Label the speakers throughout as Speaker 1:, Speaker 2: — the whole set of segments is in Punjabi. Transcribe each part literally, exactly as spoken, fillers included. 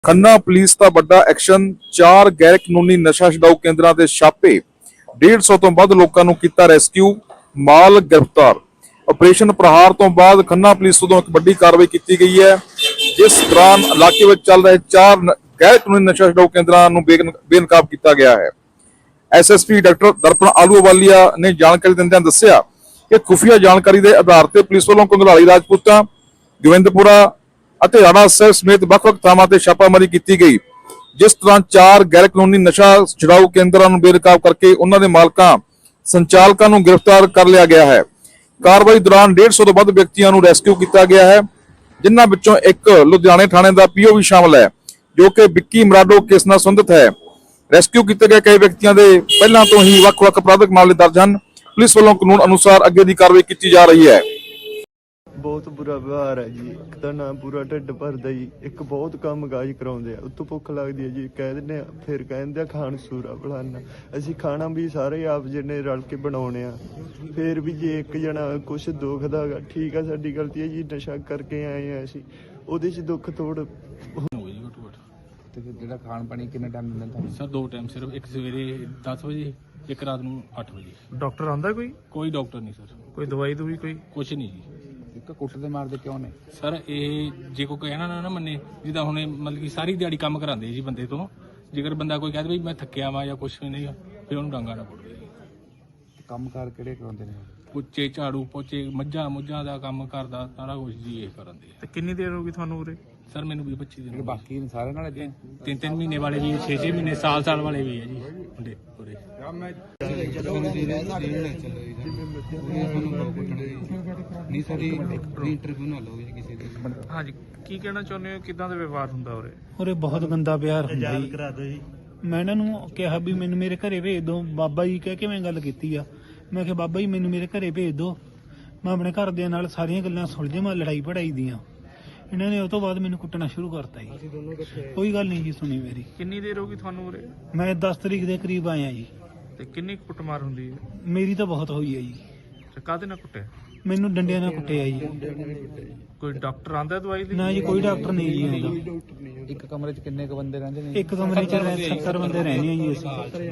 Speaker 1: खन्ना पुलिस का बड़ा एक्शन। चार गैर कानूनी नशा छुड़ाऊ केंद्रों के छापे। डेढ़ सौ तो वध लोगों को किया रेस्क्यू, माल गिरफ्तार। ऑपरेशन प्रहार तो बाद खन्ना पुलिस वालों एक बड़ी कार्रवाई की गई है, जिस दौरान इलाके में चल रहे चार गैर कानूनी नशा छुड़ाऊ केंद्रों को बेनकाब किया गया है। एस एस पी डॉक्टर दर्पण आलूवालिया ने जानकारी दिंदे दस्सिया कि खुफिया जानकारी के आधार पर पुलिस वालों कंगलाली राजपूता, गोविंदपुरा ਅਤੇ ਰਾਣਾ ਸਾਹਿਬ ਸਮੇਤ ਵੱਖ-ਵੱਖ ਥਾਵਾਂ ਤੇ ਛਾਪਾਮਾਰੀ ਕੀਤੀ ਗਈ, ਜਿਸ ਤਰ੍ਹਾਂ ਚਾਰ ਗੈਰ ਕਾਨੂੰਨੀ ਨਸ਼ਾ ਛੁਡਾਊ ਕੇਂਦਰਾਂ ਨੂੰ ਬੇਨਕਾਬ ਕਰਕੇ ਉਹਨਾਂ ਦੇ ਮਾਲਕਾਂ ਸੰਚਾਲਕਾਂ ਨੂੰ ਗ੍ਰਿਫਤਾਰ ਕਰ ਲਿਆ ਗਿਆ ਹੈ। ਕਾਰਵਾਈ ਦੌਰਾਨ डेढ़ सौ ਤੋਂ ਵੱਧ ਵਿਅਕਤੀਆਂ ਨੂੰ ਰੈਸਕਿਊ ਕੀਤਾ ਗਿਆ ਹੈ, ਜਿਨ੍ਹਾਂ ਵਿੱਚੋਂ ਇੱਕ ਲੁਧਿਆਣੇ ਥਾਣੇ ਦਾ ਪੀਓ ਵੀ ਸ਼ਾਮਲ ਹੈ, ਜੋ ਕਿ ਵਿੱਕੀ ਮਰਾਡੋ ਕੇਸ ਨਾਲ ਸੰਬੰਧਿਤ ਹੈ। ਰੈਸਕਿਊ ਕੀਤੇ ਗਏ ਕਈ ਵਿਅਕਤੀਆਂ ਦੇ ਪਹਿਲਾਂ ਤੋਂ ਹੀ ਵੱਖ-ਵੱਖ ਅਪਰਾਧਿਕ ਮਾਮਲੇ ਦਰਜ ਹਨ। ਪੁਲਿਸ ਵੱਲੋਂ ਕਾਨੂੰਨ ਅਨੁਸਾਰ ਅੱਗੇ ਦੀ ਕਾਰਵਾਈ ਕੀਤੀ ਜਾ ਰਹੀ ਹੈ।
Speaker 2: बहुत बुरा व्यवहार है जी। एक तो ना पूरा ढिड भरदा जी, एक बहुत काम काज कराउंदे आ, उत्तों भुख लगदी है जी, कह दिंदे आ फिर कहंदे आ खाण सूरा फलाना। असीं खाना भी सारे आप जिन्ने रल के बनाउणे आ, फिर भी जे एक जना कुछ दुखदा गा, ठीक है साडी गलती है जी, नशा करके आए आ असीं, ओहदे च दुख थोड़
Speaker 3: ਤੇ ਜਿਹੜਾ ਖਾਣ ਪਾਣੀ ਕਿੰਨਾ ਟਾਈਮ ਦਿੰਦੇ ਤੁਹਾਨੂੰ?
Speaker 4: ਸਰ ਦੋ ਟਾਈਮ, ਸਿਰਫ ਇੱਕ ਸਵੇਰੇ ਦਸ ਵਜੇ, ਇੱਕ ਰਾਤ ਨੂੰ ਅੱਠ ਵਜੇ।
Speaker 5: ਡਾਕਟਰ ਆਂਦਾ ਕੋਈ
Speaker 4: ਕੋਈ ਡਾਕਟਰ ਨਹੀਂ ਸਰ,
Speaker 5: ਕੋਈ ਦਵਾਈ ਦੂਈ ਕੋਈ?
Speaker 4: ਕੁਛ ਨਹੀਂ ਜੀ।
Speaker 3: ਇੱਕ ਕੁੱਟਦੇ ਮਾਰਦੇ ਕਿਉਂ ਨੇ
Speaker 4: ਸਰ ਇਹ ਜੇ ਕੋਈ ਕਹਿਣਾ ਨਾ ਨਾ ਮੰਨੇ, ਜਿੱਦਾਂ ਹੁਣ ਇਹ ਮਤਲਬ ਕਿ ਸਾਰੀ ਦਿਹਾੜੀ ਕੰਮ ਕਰਾਉਂਦੇ ਜੀ ਬੰਦੇ ਤੋਂ, ਜੇਕਰ ਬੰਦਾ ਕੋਈ ਕਹਦੇ ਵੀ ਮੈਂ ਥੱਕਿਆ ਵਾਂ ਜਾਂ ਕੁਛ ਵੀ ਨਹੀਂ, ਫਿਰ ਉਹਨੂੰ ਡਾਂਗਾ ਨਾ ਪੁੱਟਦੇ ਜੀ।
Speaker 3: ਕੰਮ ਕਾਰ ਕਿਹੜੇ ਕਰਾਉਂਦੇ ਨੇ?
Speaker 4: ਪੁੱਚੇ ਝਾੜੂ ਪੋਚੇ, ਮੱਝਾਂ ਮੁੱਝਾਂ ਦਾ ਕੰਮ ਕਰਦਾ ਸਾਰਾ ਕੁਝ ਜੀ ਇਹ ਕਰਾਉਂਦੇ ਆ।
Speaker 5: ਤੇ ਕਿੰਨੀ ਦੇਰ ਹੋ ਗਈ ਤੁਹਾਨੂੰ ਉਰੇ?
Speaker 4: ਸਰ ਮੈਨੂੰ ਵੀਹ ਪੱਚੀ ਦਿਨ।
Speaker 3: ਬਾਕੀ ਸਾਰੇ ਨਾਲ ਏਦਾਂ
Speaker 4: ਤਿੰਨ ਤਿੰਨ ਮਹੀਨੇ ਵਾਲੇ ਵੀ, ਛੇ ਛੇ ਮਹੀਨੇ, ਸਾਲ ਸਾਲ ਵਾਲੇ ਵੀ ਹੈ ਜੀ ਮੁੰਡੇ ਪੂਰੇ।
Speaker 3: ਨਹੀਂ ਸਾਡੀ ਇੰਟਰਵਿਊ ਨਾ ਲਓ ਜੀ ਕਿਸੇ ਦੀ।
Speaker 5: ਹਾਂਜੀ, ਕੀ ਕਹਿਣਾ ਚਾਹੁੰਦੇ ਹੋ, ਕਿਦਾਂ ਦਾ ਵਿਵਹਾਰ ਹੁੰਦਾ ਉਰੇ?
Speaker 6: ਉਰੇ ਬਹੁਤ ਗੰਦਾ ਪਿਆਰ ਹੁੰਦਾ ਜੀ। ਮੈਂ ਇਹਨਾਂ ਨੂੰ ਕਿਹਾ ਵੀ ਮੈਨੂੰ ਮੇਰੇ ਘਰੇ ਭੇਜ ਦਿਓ, ਬਾਬਾ ਜੀ ਕਹਿ ਕੇ ਮੈਂ ਗੱਲ ਕੀਤੀ ਆ। ਮੈਂ ਕਿਹਾ ਬਾਬਾ ਜੀ ਮੈਨੂੰ ਮੇਰੇ ਘਰੇ ਭੇਜ ਦਿਓ, ਮੈਂ ਆਪਣੇ ਘਰਦਿਆਂ ਨਾਲ ਸਾਰੀਆਂ ਗੱਲਾਂ ਸੁਲਝਾਵਾਂ, ਲੜਾਈ ਪੜਾਈ ਦੀਆਂ। ਇਹਨਾਂ ਨੇ ਉਹ ਤੋਂ ਬਾਅਦ ਮੈਨੂੰ ਕੁੱਟਣਾ ਸ਼ੁਰੂ ਕਰਤਾ ਜੀ। ਕੋਈ ਗੱਲ ਨਹੀਂ ਜੀ ਸੁਣੀ ਮੇਰੀ।
Speaker 5: ਕਿੰਨੀ ਦੇਰ ਹੋ ਗਈ ਤੁਹਾਨੂੰ ਉਰੇ?
Speaker 6: ਮੈਂ ਦਸ ਤਰੀਕ ਦੇ ਕਰੀਬ ਆਇਆ ਜੀ।
Speaker 5: ਤੇ ਕਿੰਨੀ ਕੁ ਕੁੱਟਮਾਰ ਹੁੰਦੀ ਹੈ?
Speaker 6: ਮੇਰੀ ਤਾਂ ਬਹੁਤ ਹੋਈ ਹੈ ਜੀ।
Speaker 5: ਤੇ ਕਾਹਦੇ ਨਾਲ ਕੁੱਟਿਆ?
Speaker 6: ਮੈਨੂੰ ਡੰਡਿਆਂ ਨਾਲ ਕੁੱਟਿਆ ਜੀ।
Speaker 5: ਕੋਈ ਡਾਕਟਰ ਆਂਦਾ ਦਵਾਈ ਲਈ?
Speaker 6: ਨਾ ਜੀ, ਕੋਈ ਡਾਕਟਰ ਨਹੀਂ ਜੀ ਆਉਂਦਾ।
Speaker 3: ਇੱਕ ਕਮਰੇ 'ਚ ਕਿੰਨੇ ਕ ਬੰਦੇ ਰਹਿੰਦੇ ਨੇ?
Speaker 6: ਇੱਕ ਕਮਰੇ 'ਚ ਸੱਤਰ ਬੰਦੇ ਰਹਿੰਦੇ ਆ ਜੀ ਅਸੀਂ।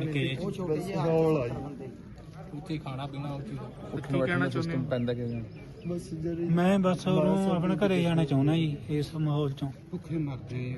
Speaker 4: ਉੱਥੇ ਖਾਣਾ ਪੀਣਾ ਉੱਥੇ।
Speaker 5: ਕੀ ਕਹਿਣਾ ਚਾਹੁੰਦੇ ਹੋ?
Speaker 3: ਪੈਂਦਾ ਕਿਵੇਂ?
Speaker 6: ਮੈਂ ਬਸ ਉਹਨੂੰ ਆਪਣੇ ਘਰੇ ਜਾਣਾ ਚਾਹੁੰਦਾ ਜੀ ਇਸ ਮਾਹੌਲ ਚੋਂ।
Speaker 3: ਭੁੱਖੇ ਮਰਦੇ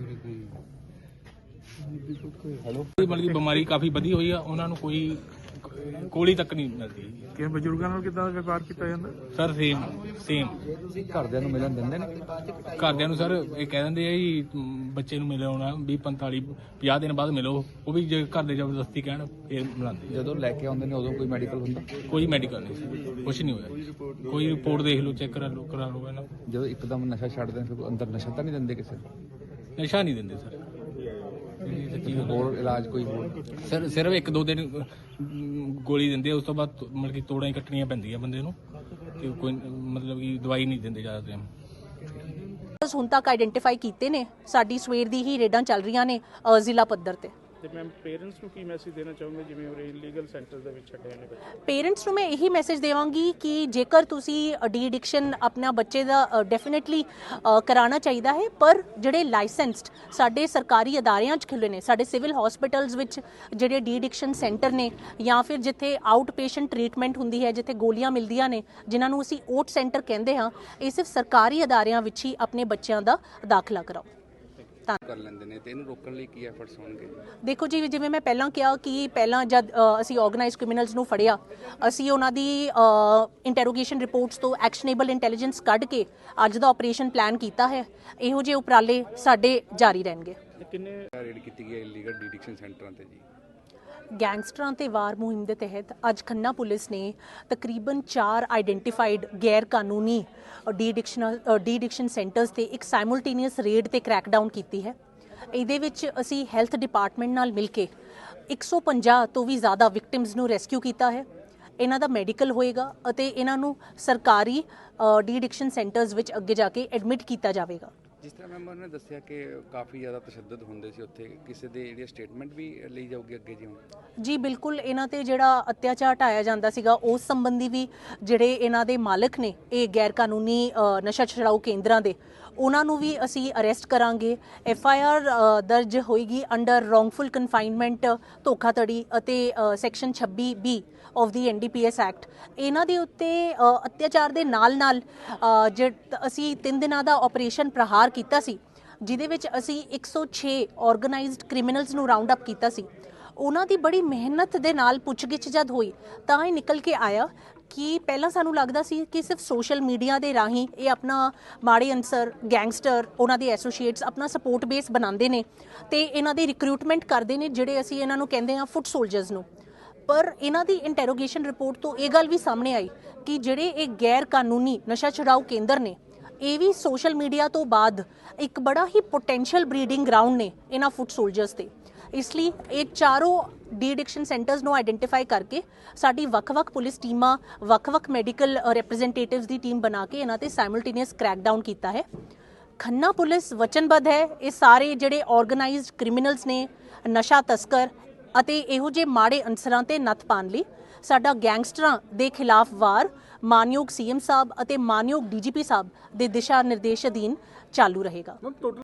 Speaker 4: ਹੈਲੋ, ਮਤਲਬ ਕਿ ਬਿਮਾਰੀ ਕਾਫੀ ਵਧੀ ਹੋਈ ਆ, ਉਹਨਾਂ ਨੂੰ ਕੋਈ ਕੋਲੀ ਤੱਕ ਨਹੀਂ ਮਿਲਦੀ।
Speaker 5: ਕਿ ਬਜ਼ੁਰਗਾਂ ਨਾਲ ਕਿਦਾਂ ਦਾ ਵਿਵਹਾਰ ਕੀਤਾ ਜਾਂਦਾ?
Speaker 4: ਸਰ ਸੇਮ ਸੇਮ
Speaker 3: ਘਰਦਿਆਂ ਨੂੰ ਮਿਲਣ ਦਿੰਦੇ ਨੇ?
Speaker 4: ਘਰਦਿਆਂ ਨੂੰ ਸਰ ਇਹ ਕਹਿ ਦਿੰਦੇ ਆ ਜੀ ਬੱਚੇ ਨੂੰ ਮਿਲੇ ਆਉਣਾ ਵੀਹ ਪੰਤਾਲੀ ਪੰਜਾਹ ਦਿਨ ਬਾਅਦ ਮਿਲੋ, ਉਹ ਵੀ ਜੇ ਘਰ ਦੇ ਜ਼ਬਰਦਸਤੀ ਕਹਿਣ ਫਿਰ ਮਿਲਾਉਂਦੇ।
Speaker 3: ਜਦੋਂ ਲੈ ਕੇ ਆਉਂਦੇ ਨੇ ਉਦੋਂ ਕੋਈ ਮੈਡੀਕਲ ਹੁੰਦਾ?
Speaker 4: ਕੋਈ ਮੈਡੀਕਲ ਨਹੀਂ, ਕੁਛ ਨਹੀਂ ਹੋਇਆ। ਕੋਈ ਰਿਪੋਰਟ ਦੇਖ ਲਓ, ਚੈੱਕ ਕਰਾ ਲਓ ਕਰਾ ਲਓ ਇਹਨਾਂ।
Speaker 3: ਜਦੋਂ ਇੱਕਦਮ ਨਸ਼ਾ ਛੱਡਦੇ ਨੇ ਫਿਰ ਅੰਦਰ ਨਸ਼ਾ ਤਾਂ ਨਹੀਂ ਦਿੰਦੇ ਕਿਸੇ ਨੂੰ?
Speaker 4: ਨਸ਼ਾ ਨਹੀਂ ਦਿੰਦੇ ਸਰ।
Speaker 3: ਹੋਰ ਇਲਾਜ ਕੋਈ ਹੋਰ?
Speaker 4: ਸਰ ਸਿਰਫ ਇੱਕ ਦੋ ਦਿਨ ਗੋਲੀ ਦਿੰਦੇ, ਉਸ ਤੋਂ ਬਾਅਦ ਮਤਲਬ ਕਿ ਤੋੜਾਂ ਹੀ ਕੱਟਣੀਆਂ ਪੈਂਦੀਆਂ ਬੰਦੇ ਨੂੰ, ਤੇ ਕੋਈ ਮਤਲਬ ਕਿ ਦਵਾਈ ਨਹੀਂ ਦਿੰਦੇ ਜ਼ਿਆਦਾ ਟਾਈਮ।
Speaker 7: ਹੁਣ ਤੱਕ ਆਈਡੈਂਟੀਫਾਈ ਕੀਤੇ ਨੇ, ਸਾਡੀ ਸਵੇਰ ਦੀ ਹੀ ਰੇਡਾਂ ਚੱਲ ਰਹੀਆਂ ਨੇ ਜ਼ਿਲ੍ਹਾ ਪੱਧਰ ਤੇ।
Speaker 5: ਤੇ ਮੈਮ ਪੇਰੈਂਟਸ ਨੂੰ ਕੀ ਮੈਸੇਜ ਦੇਣਾ ਚਾਹੁੰਦੇ ਜਿਵੇਂ ਉਰੇ ਇਲੀਗਲ ਸੈਂਟਰ ਦੇ ਵਿੱਚ ਛੱਡੇ ਨੇ ਬੱਚੇ?
Speaker 7: ਪੇਰੈਂਟਸ ਨੂੰ ਮੈਂ ਇਹੀ ਮੈਸੇਜ ਦੇਵਾਂਗੀ ਕਿ ਜੇਕਰ ਤੁਸੀਂ ਡੀ ਐਡਿਕਸ਼ਨ ਆਪਣਾ ਬੱਚੇ ਦਾ ਡੈਫੀਨਿਟਲੀ ਕਰਾਉਣਾ ਚਾਹੀਦਾ ਹੈ, ਪਰ ਜਿਹੜੇ ਲਾਇਸੈਂਸਡ ਸਾਡੇ ਸਰਕਾਰੀ ਅਦਾਰਿਆਂ 'ਚ ਖੁੱਲ੍ਹੇ ਨੇ, ਸਾਡੇ ਸਿਵਲ ਹਸਪੀਟਲਸ ਵਿੱਚ ਜਿਹੜੇ ਡੀ ਐਡਿਕਸ਼ਨ ਸੈਂਟਰ ਨੇ, ਜਾਂ ਫਿਰ ਜਿੱਥੇ ਆਊਟ ਪੇਸ਼ੈਂਟ ਟ੍ਰੀਟਮੈਂਟ ਹੁੰਦੀ ਹੈ, ਜਿੱਥੇ ਗੋਲੀਆਂ ਮਿਲਦੀਆਂ ਨੇ, ਜਿਨ੍ਹਾਂ ਨੂੰ ਅਸੀਂ ਓਟ ਸੈਂਟਰ ਕਹਿੰਦੇ ਹਾਂ, ਇਹ ਸਿਰਫ ਸਰਕਾਰੀ ਅਦਾਰਿਆਂ ਵਿੱਚ ਹੀ ਆਪਣੇ ਬੱਚਿਆਂ ਦਾ ਦਾਖਲਾ ਕਰਾਓ।
Speaker 3: ਕਰ ਲੈਂਦੇ ਨੇ, ਤੇ ਇਹਨੂੰ ਰੋਕਣ ਲਈ ਕੀ ਐਫਰਟਸ ਹੋਣਗੇ?
Speaker 7: ਦੇਖੋ ਜੀ, ਜਿਵੇਂ ਮੈਂ ਪਹਿਲਾਂ ਕਿਹਾ ਕਿ ਪਹਿਲਾਂ ਜਦ ਅ, ਅਸੀਂ ਆਰਗੇਨਾਈਜ਼ਡ ਕ੍ਰਿਮੀਨਲਸ ਨੂੰ ਫੜਿਆ, ਅਸੀਂ ਉਹਨਾਂ ਦੀ ਇੰਟਰੋਗੇਸ਼ਨ ਰਿਪੋਰਟਸ ਤੋਂ ਐਕਸ਼ਨੇਬਲ ਇੰਟੈਲੀਜੈਂਸ ਕੱਢ ਕੇ ਅੱਜ ਦਾ ਆਪਰੇਸ਼ਨ ਪਲਾਨ ਕੀਤਾ ਹੈ। ਇਹੋ ਜਿਹੇ ਉਪਰਾਲੇ ਸਾਡੇ ਜਾਰੀ ਰਹਿਣਗੇ।
Speaker 5: ਕਿੰਨੇ
Speaker 3: ਰੇਡ ਕੀਤੀ ਗਈ ਇਲੀਗਲ ਡੀਡਿਕਸ਼ਨ ਸੈਂਟਰਾਂ ਤੇ ਜੀ?
Speaker 7: ਗੈਂਗਸਟਰਾਂ ਤੇ ਵਾਰ ਮੁਹਿੰਮ ਦੇ ਤਹਿਤ ਅੱਜ ਖੰਨਾ ਪੁਲਿਸ ਨੇ ਤਕਰੀਬਨ ਚਾਰ ਆਈਡੈਂਟੀਫਾਈਡ ਗੈਰ ਕਾਨੂੰਨੀ de addiction de addiction centres ਤੇ ਇੱਕ ਸਾਈਮਲਟੇਨੀਅਸ ਰੇਡ ਤੇ ਕ੍ਰੈਕਡਾਊਨ ਕੀਤੀ ਹੈ। ਇਹਦੇ ਵਿੱਚ ਅਸੀਂ ਹੈਲਥ ਡਿਪਾਰਟਮੈਂਟ ਨਾਲ ਮਿਲ ਕੇ ਇੱਕ ਸੌ ਪੰਜਾਹ ਤੋਂ ਵੀ ਜ਼ਿਆਦਾ ਵਿਕਟਿਮਸ ਨੂੰ ਰੈਸਕਿਊ ਕੀਤਾ ਹੈ। ਇਹਨਾਂ ਦਾ ਮੈਡੀਕਲ ਹੋਏਗਾ ਅਤੇ ਇਹਨਾਂ ਨੂੰ ਸਰਕਾਰੀ ਡੀ ਐਡਿਕਸ਼ਨ ਸੈਂਟਰਸ ਵਿੱਚ ਅੱਗੇ ਜਾ ਕੇ ਐਡਮਿਟ ਕੀਤਾ ਜਾਵੇਗਾ।
Speaker 3: ਜਿਸ ਤਰ੍ਹਾਂ ਮੈਮ ਉਹਨੇ ਦੱਸਿਆ ਕਿ ਕਾਫੀ ਜ਼ਿਆਦਾ ਤਸ਼ੱਦਦ ਹੁੰਦੇ ਸੀ ਉੱਥੇ, ਕਿਸੇ ਦੇ ਜਿਹੜੀ ਸਟੇਟਮੈਂਟ ਵੀ ਲਈ ਜਾਊਗੀ ਅੱਗੇ ਜੀ ਹੁਣ?
Speaker 7: ਜੀ ਬਿਲਕੁਲ, ਇਹਨਾਂ ਤੇ ਜਿਹੜਾ ਅਤਿਆਚਾਰ ਢਾਇਆ ਜਾਂਦਾ ਸੀਗਾ ਉਸ ਸੰਬੰਧੀ ਵੀ ਜਿਹੜੇ ਇਹਨਾਂ ਦੇ ਮਾਲਕ ਨੇ ਇਹ ਗੈਰ ਕਾਨੂੰਨੀ ਅ, ਨਸ਼ਾ ਛੁਡਾਊ ਕੇਂਦਰਾਂ ਦੇ, ਉਹਨਾਂ ਨੂੰ ਵੀ ਅਸੀਂ ਅਰੈਸਟ ਕਰਾਂਗੇ। ਐਫ ਆਈ ਆਰ ਦਰਜ ਹੋਏਗੀ ਅੰਡਰ ਰੋਂਗਫੁਲ ਕਨਫਾਈਨਮੈਂਟ, ਧੋਖਾਧੜੀ ਅਤੇ ਸੈਕਸ਼ਨ ਛੱਬੀ B of the N D P S act. ਇਹਨਾਂ ਦੇ ਉੱਤੇ ਅ, ਅਤਿਆਚਾਰ ਦੇ ਨਾਲ ਨਾਲ ਅ, ਜਿਹ ਅਸੀਂ ਤਿੰਨ ਦਿਨਾਂ ਦਾ ਆਪਰੇਸ਼ਨ ਪ੍ਰਹਾਰ ਕੀਤਾ ਸੀ, ਜਿਹਦੇ ਵਿੱਚ ਅਸੀਂ ਇੱਕ ਸੌ ਛੇ ਆਰਗੇਨਾਈਜ਼ਡ ਕ੍ਰਿਮੀਨਲਸ ਨੂੰ ਰਾਉਂਡ ਅਪ ਕੀਤਾ ਸੀ। ਉਹਨਾਂ ਦੀ ਬੜੀ ਮਿਹਨਤ ਦੇ ਨਾਲ ਪੁੱਛਗਿੱਛ ਜਦ ਹੋਈ ਤਾਂ ਇਹ ਨਿਕਲ ਕੇ ਆਇਆ ਕਿ ਪਹਿਲਾਂ ਸਾਨੂੰ ਲੱਗਦਾ ਸੀ ਕਿ ਸਿਰਫ ਸੋਸ਼ਲ ਮੀਡੀਆ ਦੇ ਰਾਹੀਂ ਇਹ ਆਪਣਾ ਮਾੜੇ ਅਨਸਰ, ਗੈਂਗਸਟਰ, ਉਹਨਾਂ ਦੇ ਐਸੋਸੀਏਟਸ ਆਪਣਾ ਸਪੋਰਟ ਬੇਸ ਬਣਾਉਂਦੇ ਨੇ ਤੇ ਇਹਨਾਂ ਦੀ ਰਿਕਰੂਟਮੈਂਟ ਕਰਦੇ ਨੇ, ਜਿਹੜੇ ਅਸੀਂ ਇਹਨਾਂ ਨੂੰ ਕਹਿੰਦੇ ਹਾਂ ਫੁੱਟ ਸੋਲਜਰਸ ਨੂੰ। ਪਰ ਇਹਨਾਂ ਦੀ ਇੰਟਰੋਗੇਸ਼ਨ ਰਿਪੋਰਟ ਤੋਂ ਇਹ ਗੱਲ ਵੀ ਸਾਹਮਣੇ ਆਈ ਕਿ ਜਿਹੜੇ ਇਹ ਗੈਰ ਕਾਨੂੰਨੀ ਨਸ਼ਾ ਛੁਡਾਊ ਕੇਂਦਰ ਨੇ, ਇਹ ਵੀ ਸੋਸ਼ਲ ਮੀਡੀਆ ਤੋਂ ਬਾਅਦ ਇੱਕ ਬੜਾ ਹੀ ਪੋਟੈਂਸ਼ੀਅਲ ਬਰੀਡਿੰਗ ਗਰਾਊਂਡ ਨੇ ਇਹਨਾਂ ਫੁੱਟ ਸੋਲਜਰਸ ਤੇ। ਇਸ ਲਈ ਇਹ ਚਾਰੋਂ ਡੀ ਐਡਿਕਸ਼ਨ ਸੈਂਟਰਸ ਨੂੰ ਆਈਡੈਂਟੀਫਾਈ ਕਰਕੇ ਸਾਡੀ ਵੱਖ-ਵੱਖ ਪੁਲਿਸ ਟੀਮਾਂ, ਵੱਖ-ਵੱਖ ਮੈਡੀਕਲ ਰਿਪਰੈਜ਼ੈਂਟੇਟਿਵਸ ਦੀ ਟੀਮ ਬਣਾ ਕੇ ਇਹਨਾਂ ਤੇ ਸਾਈਮਲਟੇਨੀਅਸ ਕ੍ਰੈਕਡਾਊਨ ਕੀਤਾ ਹੈ। ਖੰਨਾ ਪੁਲਿਸ ਵਚਨਬੱਧ ਹੈ ਇਹ ਸਾਰੇ ਜਿਹੜੇ ਆਰਗੇਨਾਈਜ਼ਡ ਕ੍ਰਿਮੀਨਲਸ ਨੇ, ਨਸ਼ਾ ਤਸਕਰ ਅਤੇ ਇਹੋ ਜਿਹੇ ਮਾੜੇ ਅਨਸਰਾਂ ਤੇ ਨੱਥ ਪਾਉਣ ਲਈ। ਸਾਡਾ ਗੈਂਗਸਟਰਾਂ ਦੇ ਖਿਲਾਫ ਵਾਰ ਮਾਨਯੋਗ ਸੀ ਐਮ ਸਾਹਿਬ ਅਤੇ ਮਾਨਯੋਗ ਡੀ ਜੀ ਪੀ ਸਾਹਿਬ ਦੇ ਦਿਸ਼ਾ ਨਿਰਦੇਸ਼ ਅਧੀਨ ਚਾਲੂ ਰਹੇਗਾ।